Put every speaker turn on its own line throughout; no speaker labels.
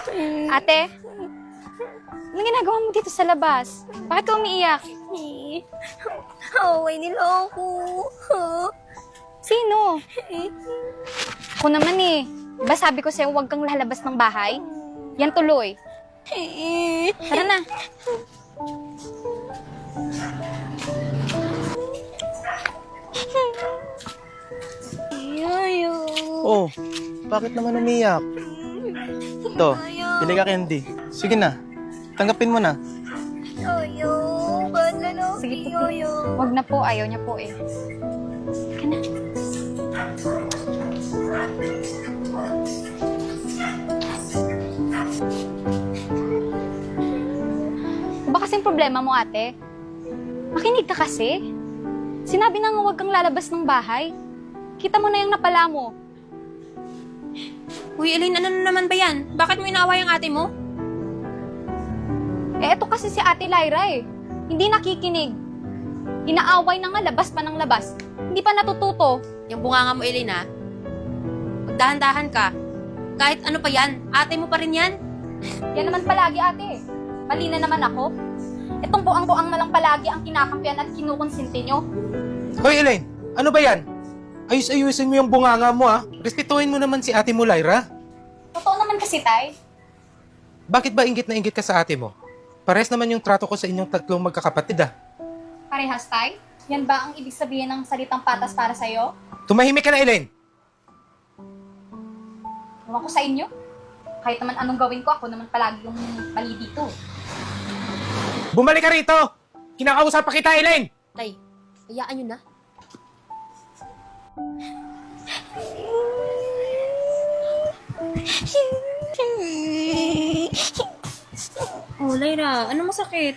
Ate, anong ginagawa mo dito sa labas? Bakit ka umiiyak?
Away nila ako.
Sino? Ako naman eh. Diba sabi ko sa'yo huwag kang lalabas ng bahay? Yan tuloy. Tara na.
Ayaw.
Oh, bakit naman umiyak? Ito, pili ka candy. Sige na, tanggapin mo na.
Ayaw. Ba't lalaki?
Sige po. Huwag na po. Ayaw niya po eh. Ka na. Ba kasing problema mo, ate? Makinig ka kasi. Sinabi na nga huwag kang lalabas ng bahay. Kita mo na yung napala mo.
Uy, Elaine, ano na naman ba yan? Bakit mo inaaway ang ate mo?
Eh, eto kasi si Ate Lyra eh. Hindi nakikinig. Inaaway na nga, labas pa ng labas. Hindi pa natututo.
Yung bunganga mo, Elaine, ha? Magdahan-dahan ka. Kahit ano pa yan, ate mo pa rin yan.
Yan naman palagi, ate. Mali na naman ako. Itong buang-buang na lang palagi ang kinakampihan at kinukonsinti nyo.
Hoy Elaine, ano ba yan? Ayus-ayusin mo yung bunganga mo ah. Respetuhin mo naman si ate mo Lyra.
Totoo naman kasi, tay.
Bakit ba inggit na inggit ka sa ate mo? Pares naman yung trato ko sa inyong tatlong magkakapatid ah.
Parehas, tay? Yan ba ang ibig sabihin ng salitang patas para sa'yo?
Tumahimik ka na Elaine.
Ewan ko sa inyo. Kahit naman anong gawin ko, ako naman palagi yung mali dito.
Bumalik ka rito! Kinakausap pa kita Elaine!
Tay, hayaan nyo na. Oh, Lyra, ano masakit?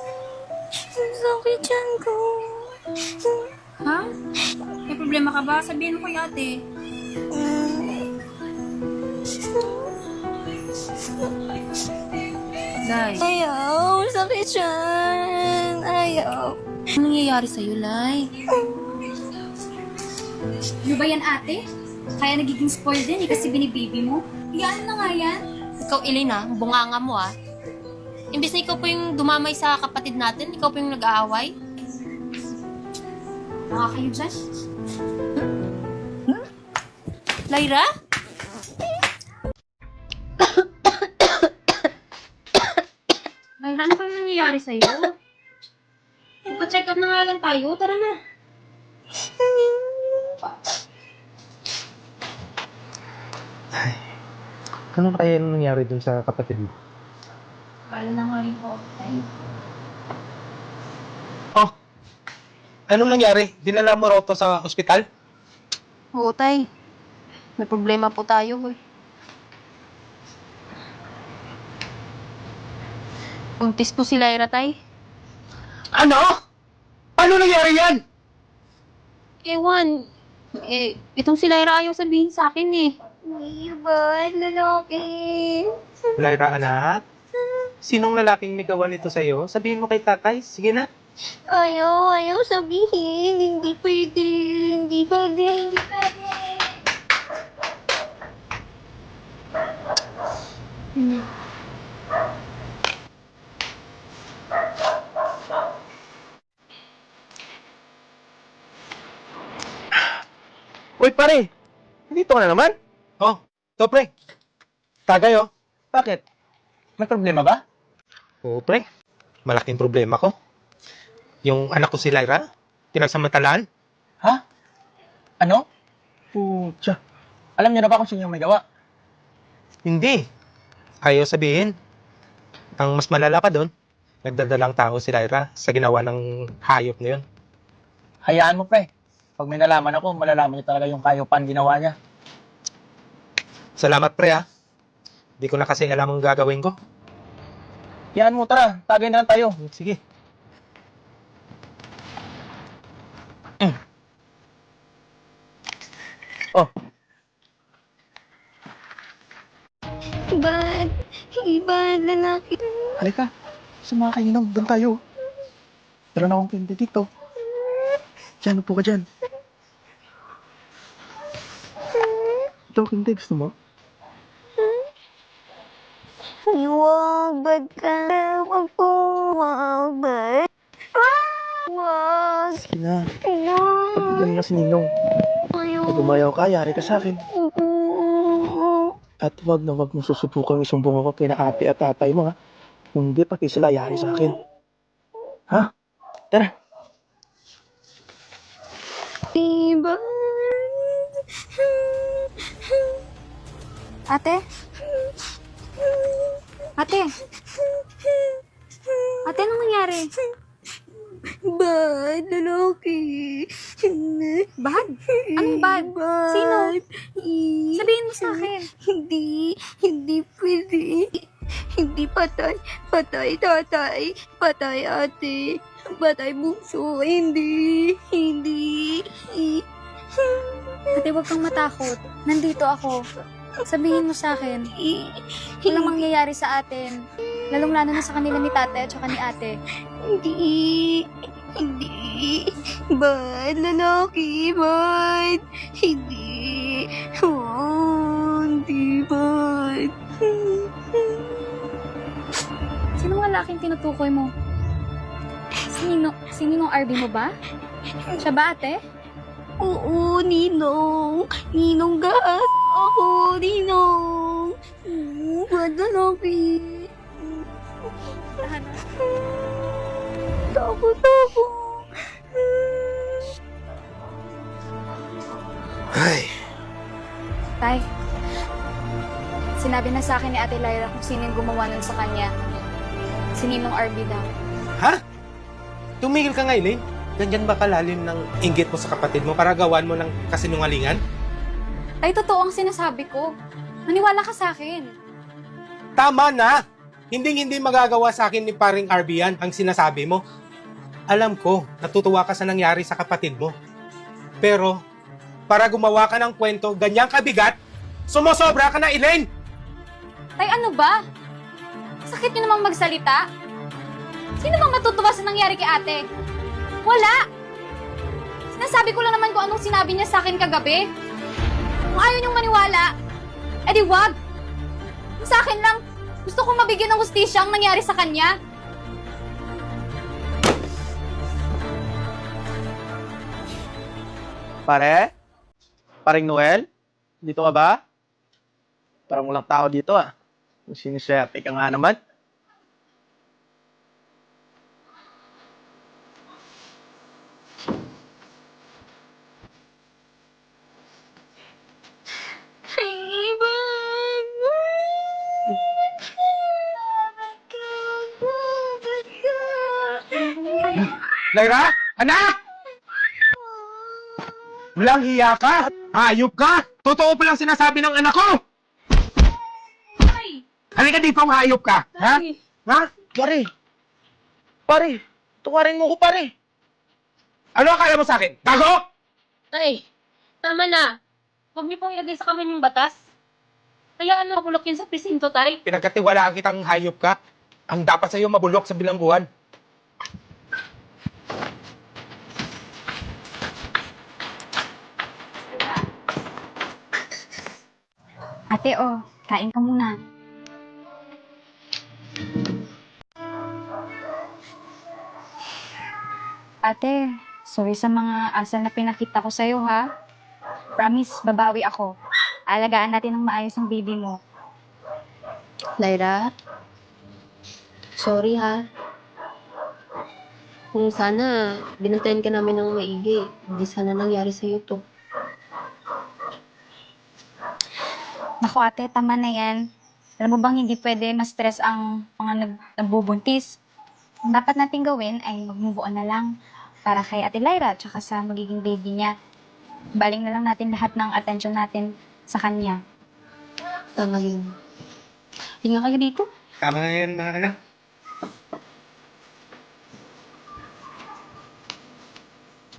Sakit yan ko. Ha? May problema ka ba? Sabihin mo kay ate. Day,
Ayaw, sakit yan. Ayaw.
ano nangyayari sa'yo, Lay?
Ano ba yan, ate? Kaya nagiging spoiled din eh kasi binibaby mo. Yan na nga yan.
Ikaw, Elena, bunganga mo ah. Imbes na ikaw po yung dumamay sa kapatid natin, ikaw po yung nag-aaway.
Mga kayo dyan?
Lyra? Lyra, ano kaya nangyayari sa'yo? Magpa-check up na nga lang tayo. Tara na.
Ano kaya yung nangyari dun sa kapatid mo?
Wala na nga rin po.
Oh, anong nangyari? Dinala mo raw to sa ospital?
Oo, tay. May problema po tayo, eh. Buntis po si Lyra, tay.
Ano? Paano nangyari yan?
Ewan. Itong si Lyra ayaw sabihin sa akin, eh.
Ay, ba't lalaki?
Lyra, anak? Sinong lalaking nigawan nito sa'yo? Sabihin mo kay tatay. Sige na.
Ayaw sabihin. Hindi pwede. Hindi pwede.
Uy, pare! Dito ka na naman? Oh, to pre. Tagay oh. Bakit? May problema ba? Oo, pre. Malaking problema ko. Yung anak ko si Lyra, pinagsamantalaan.
Ha? Ano? Pucha. Alam niyo na ba kung sino yung may gawa?
Hindi. Ayaw sabihin. Ang mas malala pa doon, nagdadalang tao si Lyra sa ginawa ng hayop na yun.
Hayaan mo, pre. Pag may nalaman ako, malalaman niya talaga yung kayopan ginawa niya.
Salamat pre ah. Di ko na kasi alam ang gagawin ko.
Hayaan mo, tara. Tagay na lang tayo.
Sige. Oh,
Ba't? Ba't lalaki?
halika. Sumakainom. Doon tayo. Tara na akong pindi dito. Diyan, upo ka dyan. Ito, hindi. Gusto mo?
Wag, ba't ka? Wag po, wag, ba't? Wag.
Sige na.
Wag.
Ganun na si Ninong. Pag umayaw ka, yari ka sa akin. At wag na wag mong susubukan isumbong ako kina ate at tatay mo, ha? Kung hindi, pati sila yari sa akin. Ha? Tara.
Diba?
Ate? Ate? Ate, anong nangyari?
Bad, lalaki.
Bad? Anong bad? Sino? Sabihin mo sa akin.
Hindi pwede. Hindi patay. Patay tatay. Patay ate. Patay bunso. Hindi.
Ate, huwag kang matakot. Nandito ako. Sabihin mo sa akin. Walang mangyayari sa atin. Lalong-lalo na sa kanila ni tate at saka ni ate.
Hindi. Bad, lalaki. Bad. Hindi. Oh, hindi bad.
Sino ang lalaking tinutukoy mo? Sinong RB mo ba? Siya ba, ate?
Oo, Ninong. Ninong gas. Ako, Ninong. Bad, lalaki.
Tahan.
Takot ako.
Ay,
Tay, sinabi na sa akin ni Ate Lyra kung sino yung gumawa nun sa kanya. Si Ninong RB daw.
ha? Tumigil ka nga, Elaine. Ganyan ba kalalim ng inggit mo sa kapatid mo para gawan mo ng kasinungalingan?
Ay, totoo ang sinasabi ko. Maniwala ka sa akin.
Tama na! Hindi magagawa sa akin ni paring RB yan ang sinasabi mo. Alam ko, natutuwa ka sa nangyari sa kapatid mo. Pero, para gumawa ka ng kwento, ganyang kabigat, sumosobra ka na, Elaine!
Tay, ano ba? Sakit niyo namang magsalita. Sino bang matutuwa sa nangyari kay ate? Wala! Sinasabi ko lang naman kung anong sinabi niya sa akin kagabi. Kung ayaw niyong maniwala, edi wag! Kung sa akin lang, gusto kong mabigyan ng hustisya ang nangyari sa kanya.
Pare? Paring Noel? Dito ka ba? Parang walang tao dito, ah. Siniswerte ka nga naman.
Lyra? Anak! Walang hiya ka! Hayop ka! Totoo pa lang sinasabi ng anak ko! Halika dito, hayop ka! Ha? Ha?
Pare! Pare! Tuwarin mo ko, pare!
Ano akala mo sa akin? Gago!
Ay, tama na. Huwag niyo pong ilagay sa kamay yung batas. Kaya ano, bulok yun sa presinto, tay.
Pinagkatiwalaan kitang hayop ka. Ang dapat sa'yo mabulok sa bilangguan.
Ate, oh, kain ka muna. Ate, sorry sa mga asal na pinakita ko sa'yo, ha? Promise, babawi ako. Alagaan natin ng maayos ang baby mo.
Lyra? Sorry ha. Kung sana, binantayan ka namin ng maigi. Hindi sana nangyari sa'yo to.
Naku ate, tama na yan. Alam mo bang hindi pwede ma-stress ang mga nagbubuntis? Ang dapat natin gawin ay mag-move on na lang para kay Ate Lyra at saka sa magiging baby niya. Baling na lang natin lahat ng attention natin sa kanya.
Tama yun. Hinga kayo dito.
Tama na yan, mga anak.